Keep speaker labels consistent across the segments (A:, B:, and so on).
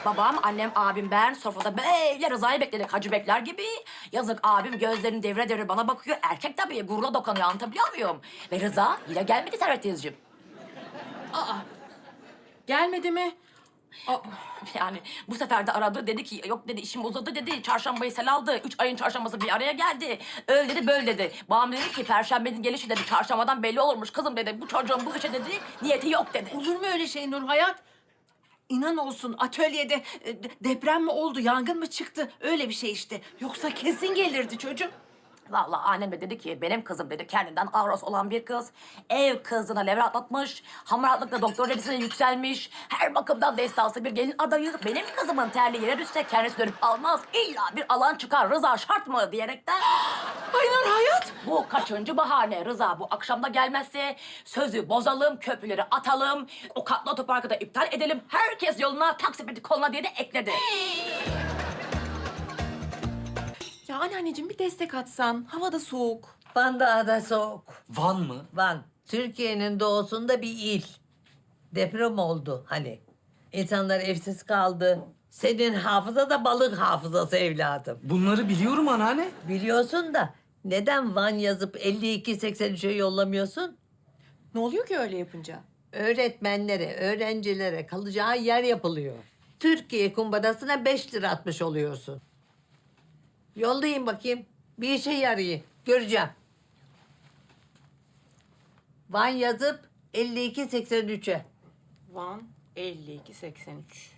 A: Babam, annem, abim, ben sofrada böyle Rıza'yı bekledik. Hacı bekler gibi. Yazık abim gözlerini devre devre bana bakıyor. Erkek tabii gururla dokunuyor, anlatabiliyor muyum? Ve Rıza yine gelmedi Servet teyzeciğim.
B: Gelmedi mi?
A: Yani bu sefer de aradı, dedi ki yok dedi, işim uzadı dedi. Çarşambayı sel aldı. 3 ayın çarşambası bir araya geldi. Öyle dedi, böyle dedi. Babam dedi ki perşembenin gelişi dedi. Çarşambadan belli olurmuş kızım dedi. Bu çocuğun bu işe dedi niyeti yok dedi.
B: Olur mu öyle şey Nur Hayat? İnan olsun atölyede deprem mi oldu, yangın mı çıktı? Öyle bir şey işte. Yoksa kesin gelirdi çocuk.
A: Vallahi annem de dedi ki benim kızım dedi kendinden avros olan bir kız. Ev kızına level atlatmış. Hamaratlıkla doktor derecesine yükselmiş. Her bakımdan destansı bir gelin adayı. Benim kızımın terli yere düşse kendisi dönüp almaz. İlla bir alan çıkar. Rıza şart mı diyerekten.
B: Ay Nur Hayat!
A: Bu kaçıncı bahane? Rıza bu akşam da gelmezse sözü bozalım, köprüleri atalım. O katlı otoparkı da iptal edelim. Herkes yoluna, taksipeti koluna diye de ekledi.
B: Ya anneanneciğim bir destek atsan. Hava da soğuk.
C: Van Dağı da soğuk.
D: Van mı?
C: Van, Türkiye'nin doğusunda bir il. Deprem oldu hani. İnsanlar evsiz kaldı. Senin hafıza da balık hafızası evladım.
D: Bunları biliyorum anneanne.
C: Biliyorsun da neden Van yazıp 52-83'e yollamıyorsun?
B: Ne oluyor ki öyle yapınca?
C: Öğretmenlere, öğrencilere kalacağı yer yapılıyor. Türkiye kumbarasına 5 lira atmış oluyorsun. Yollayın bakayım. Bir işe yarayın. Göreceğim. Van yazıp 52-83'e.
B: Van 52-83.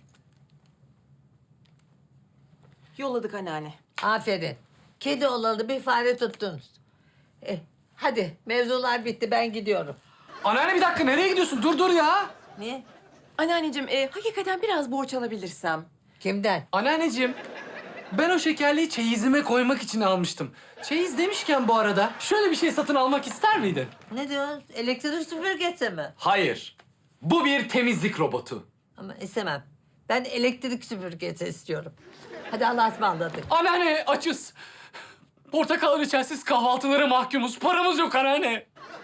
B: Yolladık anneanne.
C: Aferin. Kedi olalı bir fare tuttunuz. Hadi mevzular bitti, ben gidiyorum.
D: Anneanne bir dakika, nereye gidiyorsun? Dur ya.
C: Niye?
B: Anneanneciğim hakikaten biraz borç alabilirsem.
C: Kimden?
D: Anneanneciğim, ben o şekerliği çeyizime koymak için almıştım. Çeyiz demişken bu arada şöyle bir şey satın almak ister miydin?
C: Ne diyorsun? Elektrik süpürgesi mi?
D: Hayır. Bu bir temizlik robotu.
C: Ama istemem. Ben elektrik süpürgesi istiyorum. Hadi Allah'a ısmarladık.
D: Anneanne açız. Portakal reçelsiz kahvaltılara mahkumuz. Paramız yok anneanne.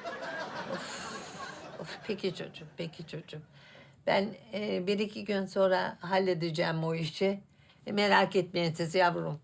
C: Of, peki çocuğum, peki çocuğum. Ben 1-2 gün sonra halledeceğim o işi. Merak etmeyin siz yavrum.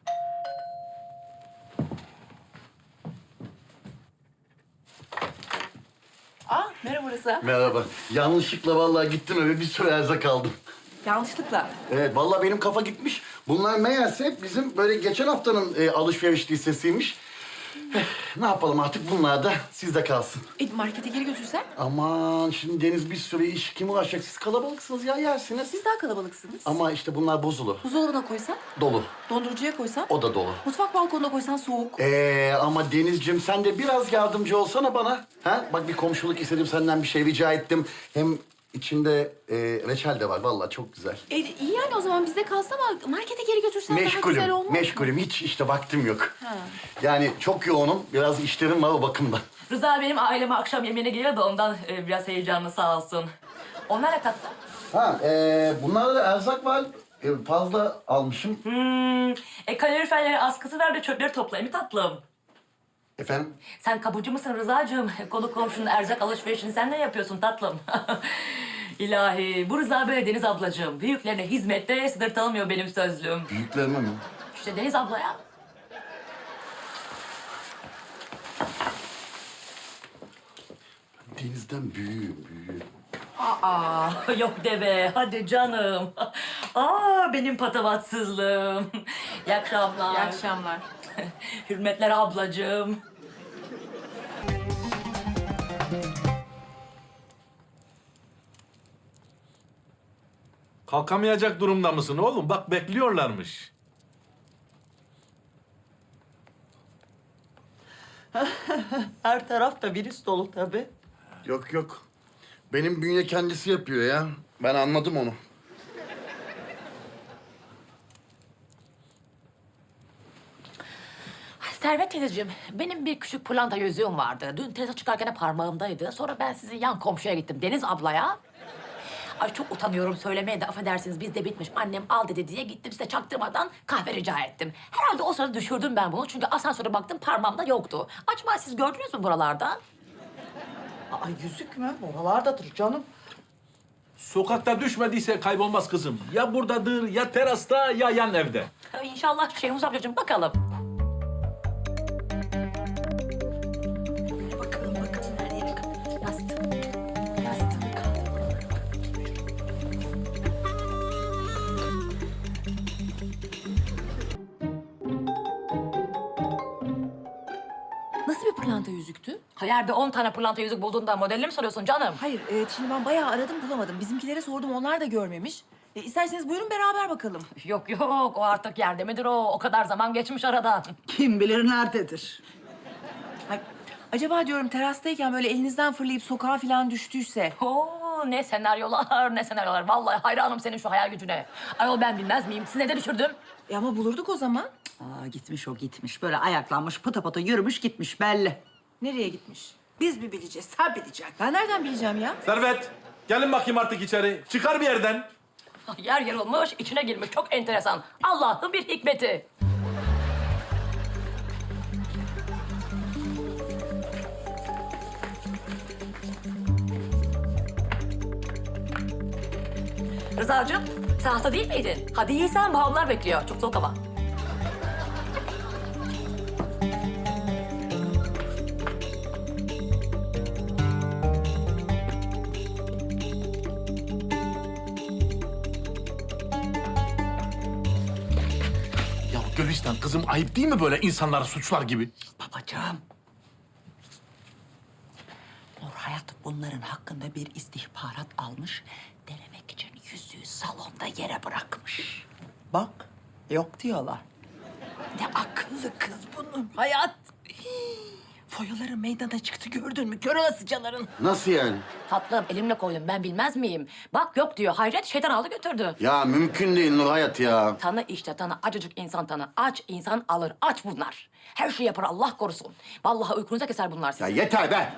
B: Merhaba Rıza.
E: Merhaba. Yanlışlıkla vallahi gittim eve bir sürü erzak aldım.
B: Yanlışlıkla.
E: Evet vallahi benim kafa gitmiş. Bunlar meğerse bizim böyle geçen haftanın alışveriş listesiymiş. Ne yapalım artık bunlar da sizde kalsın.
B: Markete geri götürsen?
E: Aman şimdi Deniz bir sürü iş kim uğraşacak? Siz kalabalıksınız ya yersiniz.
B: Siz daha kalabalıksınız.
E: Ama işte bunlar bozulur.
B: Buzdolabına koysan,
E: Dolu.
B: dondurucuya koysan,
E: O da dolu.
B: mutfak balkonuna koysan soğuk.
E: Ama Denizciğim sen de biraz yardımcı olsana bana. Ha? Bak bir komşuluk istedim senden bir şey rica ettim. Hem içinde reçel de var vallahi çok güzel.
B: İyi yani o zaman bizde kalsa ama markete geri götürsen daha güzel
E: Meşgulüm,
B: olmaz mı?
E: meşgulüm. Hiç işte vaktim yok.
B: Ha.
E: Yani çok yoğunum. Biraz işlerim var o bakımdan.
A: Rıza benim aileme akşam yemeğine geliyor da ondan biraz heyecanlı sağ olsun. Onlar ne tattı?
E: Bunlarda da erzak var. Fazla almışım.
A: Kaloriferleri askısı ver de çöpleri toplayayım tatlım.
E: Efendim?
A: Sen kapıcı mısın Rıza'cığım? Konu komşunun erzak alışverişini sen ne yapıyorsun tatlım? İlahi, bu Rıza böyle Deniz ablacığım. Büyüklerine hizmette sınır tanımıyor benim sözlüğüm.
E: Büyüklerime mi?
A: İşte Deniz ablaya.
E: Denizden büyüğüm.
A: Aa, yok deme. Hadi canım. Benim patavatsızlığım. İyi akşamlar.
B: İyi akşamlar.
A: Hürmetler ablacığım.
F: Kalkamayacak durumda mısın oğlum? Bak bekliyorlarmış.
C: Her taraf da virüs dolu tabii.
E: Yok. Benim bünye kendisi yapıyor ya. Ben anladım onu.
A: Servet teyzeciğim, benim bir küçük pırlanta yüzüğüm vardı. Dün teyze çıkarken de parmağımdaydı. Sonra ben sizin yan komşuya gittim, Deniz ablaya. Ay çok utanıyorum söylemeye de affedersiniz bizde bitmiş. Annem al dedi diye gittim size çaktırmadan kahve rica ettim. Herhalde o sırada düşürdüm ben bunu çünkü asansöre baktım parmağımda yoktu. Acaba siz gördünüz mü buralarda?
G: Yüzük mü? Oralardadır canım.
F: Sokakta düşmediyse kaybolmaz kızım. Ya buradadır, ya terasta, ya yan evde.
A: İnşallah Şehmuz amcacığım bakalım. Bakalım her yere. Yastık. Yastık kaldı.
B: Nasıl bir pırlanta yüzüktü?
A: Hayerde 10 tane pırlanta yüzük bulduğunda modelini mi soruyorsun canım?
G: Hayır, şimdi ben bayağı aradım bulamadım. Bizimkilere sordum, onlar da görmemiş. İsterseniz buyurun beraber bakalım.
A: Yok yok, o artık yerde midir o? O kadar zaman geçmiş aradan.
H: Kim bilir nerededir?
G: Ay, acaba diyorum terastayken böyle elinizden fırlayıp sokağa falan düştüyse...
A: Oo, ne senaryolar, ne senaryolar. Vallahi hayranım senin şu hayal gücüne. Ayol ben bilmez miyim? Siz nerede düşürdüm?
G: Ama bulurduk o zaman.
H: Aa, gitmiş o gitmiş. Böyle ayaklanmış, pıta pıta yürümüş gitmiş belli.
G: Nereye gitmiş?
H: Biz mi bileceğiz, sen bileceksin.
G: Ben nereden bileceğim ya?
F: Servet, gelin bakayım artık içeri. Çıkar bir yerden.
A: Yer yarılmış, içine girmiş. Çok enteresan. Allah'ın bir hikmeti. Rıza'cığım, sen hasta değil miydin? Hadi yiysen, babamlar bekliyor. Çok soğuk hava.
F: Ya Gülistan kızım ayıp değil mi böyle insanları suçlar gibi?
H: Babacığım. Nur Hayat bunların hakkında bir istihbarat almış. Denemek için yüzüğü salonda yere bırakmış. Bak, yok diyorlar. Ne akıllı kız bunun Hayat. Foyaları meydana çıktı gördün mü? Kör olasıcaların.
E: Nasıl yani?
A: Tatlım, elimle koydum. Ben bilmez miyim? Bak yok diyor. Hayret, şeytan aldı götürdü.
E: Ya mümkün değil Nur Hayat ya.
A: Tanı işte tanı. Acıcık insan tanı. Aç insan alır. Aç bunlar. Her şeyi yapar Allah korusun. Vallahi uykunuza keser bunlar
E: Ya
A: sizi.
E: yeter be.